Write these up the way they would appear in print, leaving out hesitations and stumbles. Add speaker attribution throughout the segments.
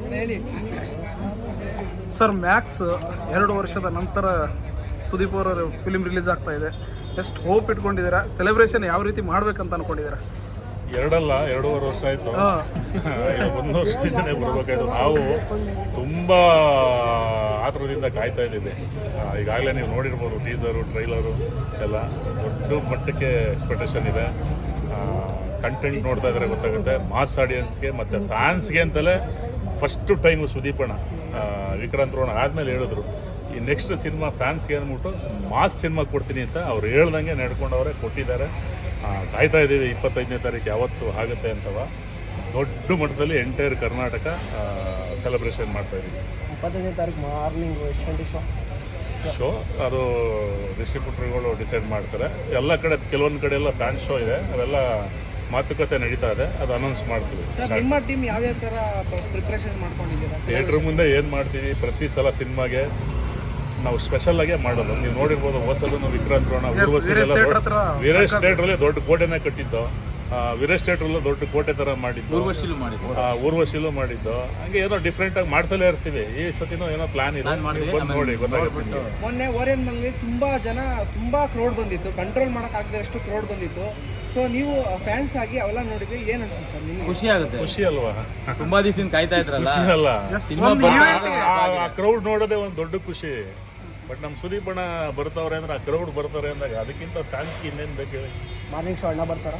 Speaker 1: Sir Max 2 ವರ್ಷದ ನಂತರ ಸುದೀಪ್ ಅವರ ಫಿಲಿಮ್ ರಿಲೀಸ್ ಆಗ್ತಾ ಇದೆ. ಎಷ್ಟು ಹೋಪ್ ಇಟ್ಕೊಂಡಿದ್ದೀರಾ? ಸೆಲೆಬ್ರೇಷನ್ ಯಾವ ರೀತಿ ಮಾಡ್ಬೇಕಂತ ಅನ್ಕೊಂಡಿದ್ದೀರಾ?
Speaker 2: 2.5 ವರ್ಷ ಆಯಿತು. 1 ವರ್ಷದಿಂದನೇ ಬರ್ಬೇಕಾಯ್ತು. ನಾವು ತುಂಬ ಆತುರದಿಂದ ಕಾಯ್ತಾ ಇದ್ದೀವಿ. ಈಗಾಗಲೇ ನೀವು ನೋಡಿರ್ಬೋದು ಟೀಸರು, ಟ್ರೈಲರು ಎಲ್ಲ ದೊಡ್ಡ ಮಟ್ಟಕ್ಕೆ ಎಕ್ಸ್ಪೆಕ್ಟೇಷನ್ ಇದೆ. ಕಂಟೆಂಟ್ ನೋಡ್ತಾ ಇದ್ರೆ ಗೊತ್ತಾಗುತ್ತೆ. ಮಾಸ್ ಆಡಿಯನ್ಸ್ಗೆ ಮತ್ತು ಫ್ಯಾನ್ಸ್ಗೆ ಅಂತಲೇ ಫಸ್ಟು ಟೈಮು ಸುದೀಪಣ್ಣ ವಿಕ್ರಾಂತ್ ರೋಣ ಆದಮೇಲೆ ಹೇಳಿದ್ರು ಈ ನೆಕ್ಸ್ಟ್ ಸಿನಿಮಾ ಫ್ಯಾನ್ಸ್ಗೆ ಅಂದ್ಬಿಟ್ಟು ಮಾಸ್ ಸಿನಿಮಾ ಕೊಡ್ತೀನಿ ಅಂತ ಅವ್ರು ಹೇಳ್ದಂಗೆ ನಡ್ಕೊಂಡವ್ರೆ, ಕೊಟ್ಟಿದ್ದಾರೆ. ಕಾಯ್ತಾ ಇದ್ದೀವಿ 25ನೇ ತಾರೀಕು ಯಾವತ್ತು ಆಗುತ್ತೆ ಅಂತವ. ದೊಡ್ಡ ಮಟ್ಟದಲ್ಲಿ ಎಂಟೈರ್ ಕರ್ನಾಟಕ ಸೆಲೆಬ್ರೇಷನ್ ಮಾಡ್ತಾ ಇದ್ದೀವಿ.
Speaker 3: 25ನೇ ತಾರೀಕು ಮಾರ್ನಿಂಗ್
Speaker 2: ಶೋ ಅದು ಡಿಸ್ಟ್ರಿಬ್ಯೂಟರ್ಗಳು ಡಿಸೈಡ್ ಮಾಡ್ತಾರೆ. ಎಲ್ಲ ಕಡೆ ಕೆಲವೊಂದು ಕಡೆ ಎಲ್ಲ ಫ್ಯಾನ್ ಶೋ ಇದೆ, ಅವೆಲ್ಲ ಮಾತುಕತೆ ನಡೀತಾ ಇದೆ. ಅದು ಅನೌನ್ಸ್ ಮಾಡ್ತೀವಿ.
Speaker 3: ನಿಮ್ಮ ಟೀಮ್ ಯಾವ ಥರ ಪ್ರಿಪ್ರೇಷನ್ ಮಾಡ್ಕೊಂಡಿದ್ದೀರಾ?
Speaker 2: ಥಿಯೇಟ್ರ್ ಮುಂದೆ ಏನು ಮಾಡ್ತೀವಿ, ಪ್ರತಿ ಸಲ ಸಿನಿಮಾಗೆ ನಾವು ಸ್ಪೆಷಲ್ ಆಗೇ ಮಾಡೋದು. ನೀವು ನೋಡಿರ್ಬೋದು ಹೊಸದನ್ನು ವಿಕ್ರಾಂತ್ ರೋಣ ವೀರೇಶ್ ಥಿಯೇಟ್ರಲ್ಲಿ ದೊಡ್ಡ ಕೋಟೆನೇ ಕಟ್ಟಿದ್ದು, ವೀರೇಶ್ ಥಿಯೇಟ್ರಲ್ಲೂ ದೊಡ್ಡ ಕೋಟೆ ಥರ ಮಾಡಿದ್ದು, ಊರ್ವಶಿಲೂ ಮಾಡಿದ್ದು. ಹಂಗೆ ಏನೋ ಡಿಫ್ರೆಂಟಾಗಿ ಮಾಡ್ತಲೇ ಇರ್ತೀವಿ. ಈ ಸತಿನೂ ಏನೋ ಪ್ಲಾನ್ ಇದೆ, ಬಂದು ನೋಡಿ ಗೊತ್ತಾಗುತ್ತೆ.
Speaker 3: ಮೊನ್ನೆ ಓರಿಯನ್ ಮಂಗ್ಲಿ ತುಂಬಾ ಕ್ರೌಡ್ ಬಂದಿತ್ತು, ಕಂಟ್ರೋಲ್ ಮಾಡೋಕ್ಕಾಗದೆ ಅಷ್ಟು ಕ್ರೌಡ್ ಬಂದಿತ್ತು. ಸೊ ನೀವು ಫ್ಯಾನ್ಸ್ ಆಗಿ ಅವೆಲ್ಲ ನೋಡಿದ್ರೆ ಏನು ಅನ್ಸುತ್ತೆ ನಿಮಗೆ?
Speaker 4: ಖುಷಿ ಆಗುತ್ತೆ.
Speaker 2: ಖುಷಿ ಅಲ್ವಾ?
Speaker 4: ತುಂಬಾ ದಿವಸದಿಂದ ಕಾಯ್ತಾ ಇದ್ರಲ್ಲ.
Speaker 2: ಖುಷಿ ಅಲ್ಲ, ಆ ಕ್ರೌಡ್ ನೋಡೋದೇ ಒಂದು ದೊಡ್ಡ ಖುಷಿ. ಬಟ್ ನಮ್ಮ ಸುದೀಪ್ ಅಣ್ಣ ಬರ್ತಾವ್ರೆ ಅಂದ್ರೆ, ಆ ಕ್ರೌಡ್ ಬರ್ತಾರೆ ಅಂದಾಗ ಅದಕ್ಕಿಂತ ಫ್ಯಾನ್ಸ್ಗೆ ಇನ್ನೇನು ಬೇಕು ಹೇಳಿ?
Speaker 3: ಮಾರ್ನಿಂಗ್ ಶೋ ಅಣ್ಣ ಬರ್ತಾರ,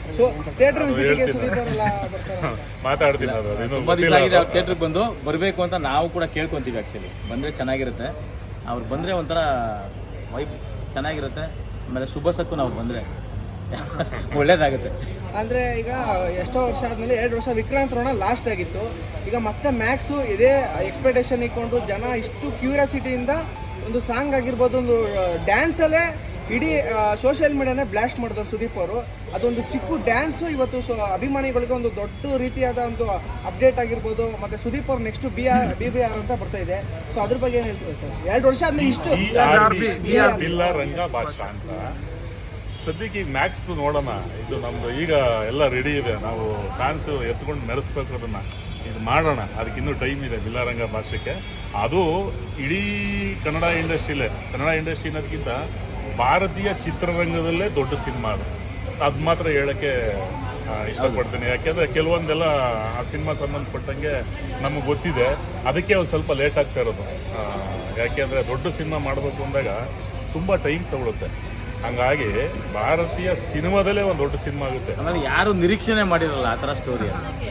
Speaker 2: ಮಾತಾಡ್ತೀನಿ. ಅದು
Speaker 4: ತುಂಬಾ ದಿವಸ ಆಗಿದೆ ಅವ್ರು ಥಿಯೇಟ್ರಿಗೆ ಬಂದು ಬರಬೇಕು ಅಂತ ನಾವು ಕೂಡ ಕೇಳ್ಕೊಂತೀವಿ. ಆ್ಯಕ್ಚುಲಿ ಬಂದರೆ ಚೆನ್ನಾಗಿರುತ್ತೆ. ಅವ್ರು ಬಂದರೆ ಒಂಥರ ವೈಬ್ ಚೆನ್ನಾಗಿರುತ್ತೆ. ಆಮೇಲೆ ಶುಭಸಕ್ಕೂ ನಾವು ಬಂದರೆ ಒಳ್ಳೇದಾಗುತ್ತೆ.
Speaker 3: ಅಂದರೆ ಈಗ ಎಷ್ಟೋ ವರ್ಷ ಆದಮೇಲೆ 2 ವರ್ಷ ವಿಕ್ರಾಂತ್ ರೋಣ ಲಾಸ್ಟ್ ಆಗಿತ್ತು. ಈಗ ಮತ್ತೆ ಮ್ಯಾಕ್ಸು ಇದೇ ಎಕ್ಸ್ಪೆಕ್ಟೇಷನ್ ಇಟ್ಕೊಂಡು ಜನ ಇಷ್ಟು ಕ್ಯೂರಿಯಾಸಿಟಿಯಿಂದ ಒಂದು ಸಾಂಗ್ ಆಗಿರ್ಬೋದು, ಒಂದು ಡ್ಯಾನ್ಸಲ್ಲೇ ಇಡೀ ಸೋಷಿಯಲ್ ಮೀಡಿಯಾನೇ ಬ್ಲಾಸ್ಟ್ ಮಾಡಿದ್ರು ಸುದೀಪ್ ಅವರು. ಅದೊಂದು ಚಿಕ್ಕ ಡ್ಯಾನ್ಸು ಇವತ್ತು ಅಭಿಮಾನಿಗಳಿಗೆ ಒಂದು ದೊಡ್ಡ ರೀತಿಯಾದ ಒಂದು ಅಪ್ಡೇಟ್ ಆಗಿರ್ಬೋದು. ಮತ್ತು ಸುದೀಪ್ ಅವ್ರು ನೆಕ್ಸ್ಟ್ BBR ಅಂತ ಬರ್ತಾ ಇದೆ. ಸೊ ಅದ್ರ ಬಗ್ಗೆ ಏನು ಹೇಳ್ತೀವಿ ಸರ್? 2 ವರ್ಷ ಆದ್ಮೇಲೆ ಇಷ್ಟು
Speaker 2: ರಂಗ ಭಾಷಾ ಅಂತ ಸದ್ಯಕ್ಕೆ ಈಗ ಮ್ಯಾಕ್ಸ್ ನೋಡೋಣ. ಇದು ನಮ್ದು ಈಗ ಎಲ್ಲ ರೆಡಿ ಇದೆ. ನಾವು ಫ್ಯಾನ್ಸ್ ಎತ್ಕೊಂಡು ಮೆರೆಸ್ಬೇಕು ಅದನ್ನು. ಇದು ಮಾಡೋಣ, ಅದಕ್ಕಿನ್ನೂ ಟೈಮ್ ಇದೆ. ಬಿಲ್ಲಾರಂಗ ಭಾಷೆಗೆ ಅದು ಇಡೀ ಕನ್ನಡ ಇಂಡಸ್ಟ್ರಿಲೇ, ಕನ್ನಡ ಇಂಡಸ್ಟ್ರಿ ಅನ್ನೋದಕ್ಕಿಂತ ಭಾರತೀಯ ಚಿತ್ರರಂಗದಲ್ಲೇ ದೊಡ್ಡ ಸಿನಿಮಾ ಅದು ಮಾತ್ರ ಹೇಳೋಕ್ಕೆ ಇಷ್ಟಪಡ್ತೀನಿ. ಯಾಕೆಂದರೆ ಕೆಲವೊಂದೆಲ್ಲ ಆ ಸಿನಿಮಾ ಸಂಬಂಧಪಟ್ಟಂಗೆ ನಮಗೆ ಗೊತ್ತಿದೆ. ಅದಕ್ಕೆ ಒಂದು ಸ್ವಲ್ಪ ಲೇಟ್ ಆಗ್ತಾ ಇರೋದು. ಯಾಕೆಂದರೆ ದೊಡ್ಡ ಸಿನಿಮಾ ಮಾಡಬೇಕು ಅಂದಾಗ ತುಂಬ ಟೈಮ್ ತಗೊಳುತ್ತೆ. ಹಂಗಾಗಿ ಭಾರತೀಯ ಸಿನಿಮಾದಲ್ಲೇ ಒಂದು ದೊಡ್ಡ ಸಿನಿಮಾ ಆಗುತ್ತೆ.
Speaker 4: ಆಮೇಲೆ ಯಾರು ನಿರೀಕ್ಷಣೆ ಮಾಡಿರಲ್ಲ ಆ ಥರ ಸ್ಟೋರಿ.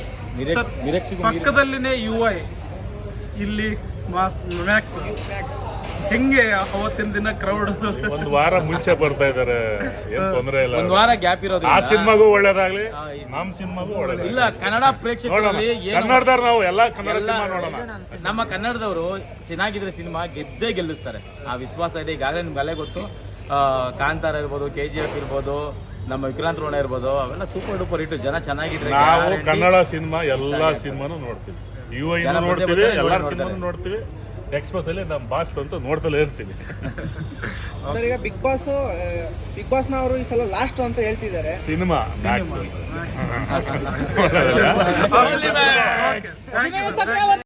Speaker 1: ಪಕ್ಕದಲ್ಲಿನೇ UI, ಇಲ್ಲಿ ಮ್ಯಾಕ್ಸ್. ಹೆಂಗೆ ಅವತ್ತಿನ ದಿನ ಕ್ರೌಡ್
Speaker 2: 1 ವಾರ ಮುಂಚೆ ಬರ್ತಾ ಇದಾರೆ, ಏನ್ ತೊಂದರೆ ಇಲ್ಲ.
Speaker 4: 1 ವಾರ ಗ್ಯಾಪ್ ಇರೋದು
Speaker 2: ಆ ಸಿನಿಮಾಗೂ ಒಳ್ಳೇದಾಗ್ಲಿ, ನಮ್ಮ ಸಿನಿಮಾಗೂ ಒಳ್ಳೇದಾಗ್ಲಿ.
Speaker 4: ಇಲ್ಲ, ಕನ್ನಡ ಪ್ರೇಕ್ಷಕರಲ್ಲಿ
Speaker 2: ಕನ್ನಡದವ್ರು ನಾವು ಎಲ್ಲ ಕನ್ನಡ ಸಿನಿಮಾ ನೋಡೋಣ.
Speaker 4: ನಮ್ಮ ಕನ್ನಡದವರು ಚೆನ್ನಾಗಿದ್ರೆ ಸಿನಿಮಾ ಗೆದ್ದೇ ಗೆಲ್ಲಿಸ್ತಾರೆ. ಆ ವಿಶ್ವಾಸ ಇದೆ. ಈಗಾಗಲೇ ನಿಮ್ಗೆ ಅಲ್ಲೇ ಗೊತ್ತು, ಕಾಂತಾರ ಇರ್ಬೋದು, KGF ಇರ್ಬೋದು, ನಮ್ಮ ವಿಕ್ರಾಂತ್ ರೋಣ ಇರ್ಬೋದು, ಅವೆಲ್ಲ ಸೂಪರ್ ಡೂಪರ್ ಹಿಟ್. ಜನ ಚೆನ್ನಾಗಿದ್ರೆ
Speaker 2: ನಾವು ಕನ್ನಡ ಸಿನಿಮಾ ಎಲ್ಲ ಸಿನಿಮಾನು ನೋಡ್ತೀವಿ. UI ನೋಡ್ತೀವಿ, ಎಲ್ಲಾರ ಸಿನಿಮಾನು ನೋಡ್ತೀವಿ. ಎಕ್ಸ್ಪ್ರೆಸ್ ಅಲ್ಲಿ ನಮ್ಮ ಬಾಸ್ ಅಂತೂ ನೋಡ್ತಲೇ ಇರ್ತೀವಿ.
Speaker 3: ಸರ್, ಈಗ ಬಿಗ್ ಬಾಸ್ನ ಅವರು ಈ ಸಲ ಲಾಸ್ಟ್ ಅಂತ ಹೇಳ್ತಿದ್ದಾರೆ.
Speaker 2: Cinema Max